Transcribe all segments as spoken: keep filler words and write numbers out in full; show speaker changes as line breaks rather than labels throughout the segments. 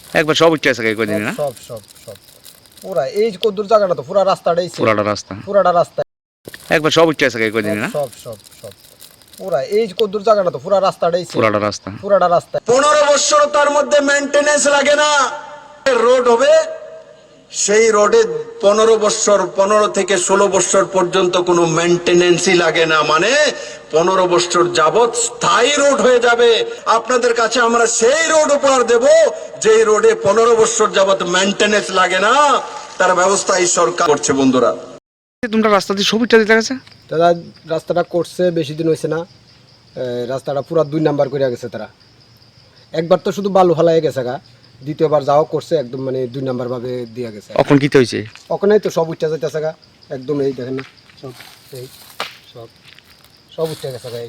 একবার সব উঠে আছে কয়দিন না
সব সব সব পুরা এই যে কদ্দুর জায়গাটা তো পুরা রাস্তাটাই ছিল
পুরাটা রাস্তা
পুরাটা রাস্তা
একবার সব উঠে আছে কয়দিন না
সব সব সব পুরা এই যে কদ্দুর জায়গাটা তো পুরা রাস্তাটাই ছিল
পুরাটা রাস্তা
পুরাটা রাস্তা
পনেরো বছর তার মধ্যে মেইনটেনেন্স লাগে না রোড হবে সেই রোডে পনেরো বছর পনেরো থেকে ষোলো বছর পর্যন্ত কোনো মেইনটেনেন্সই লাগে না মানে পনেরো বছর যাবত স্থায়ী রোড হয়ে যাবে আপনাদের কাছে আমরা সেই রোড উপহার দেব যেই রোডে পনেরো বছর যাবত মেইনটেনেন্স লাগে না তার ব্যবস্থা এই সরকার করছে বন্ধুরা
তোমরা রাস্তা দিয়ে সব উঠে দিতে গেছে
তারা রাস্তাটা করছে বেশি দিন হয়েছে না রাস্তাটা পুরা দুই নাম্বার করে গেছে তারা একবার তো শুধু বালু ফালাই গেছে গা দ্বিতীয়বার যাও করছে একদম মানে দুই নাম্বার ভাবে দিয়ে গেছে
এখন কি হয়েছে
ওখানেই তো সব উঠে যাইতেছে গা একদম এই দেখেন না সব এই সব সব উঠে গেছে গা এই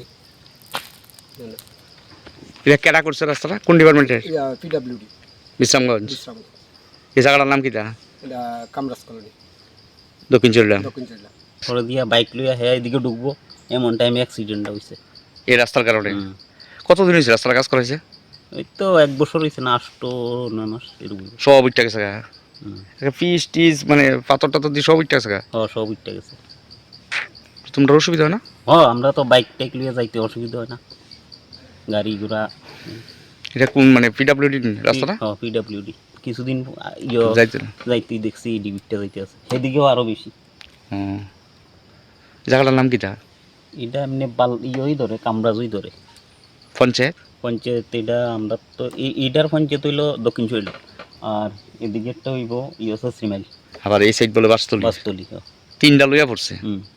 এটা কেডা করছে রাস্তাটা কোন ডিপার্টমেন্টের
পিডাব্লিউডি
বিশ্রামগঞ্জ
বিশ্রাম
এই জায়গাটার নাম কিটা
এটা কামরাজ কলোনি
দক্ষিণ চল্লাম
দক্ষিণ জেলা
পরে দিয়া বাইক লইয়া হ্যাঁ এদিকে ঢুকবো এমন টাইমে অ্যাক্সিডেন্টটা হয়েছে
এই রাস্তার কারণে কতদিন হয়েছে রাস্তার কাজ করা হয়েছে
ওই তো এক বছর হয়েছে না আষ্ট নয় মাস এরকম
সব উঠে গেছে গা পিস টিস মানে পাথর টাথর দিয়ে সব উঠে গেছে গা
হ সব উঠতে গেছে
তোমরা অসুবিধা হয় না
হ আমরা তো বাইক টাইক লইয়া যাইতে অসুবিধা হয় না গাড়ি ঘোড়া
এটা কোন মানে পিডাব্লিউডি রাস্তাটা
হ পিডাব্লিউডি কিছুদিন ইয়ে
যাইতে
যাইতেই দেখছি এই ডিবিটটা যাইতে আছে সেদিকেও আরও বেশি
হুম জায়গাটার নাম কিটা
এটা এমনি বাল ইয়েই ধরে কামরাজই ধরে
পঞ্চায়েত
পঞ্চায়েত এটা আমরা তো এই এইটার পঞ্চায়েত হইলো দক্ষিণ শৈল আর এদিকেরটা হইব ইয়ে হচ্ছে শ্রীমাইল
আবার এই সাইড বলে বাসতলি
বাসতলি
তিনটা লইয়া পড়ছে
হুম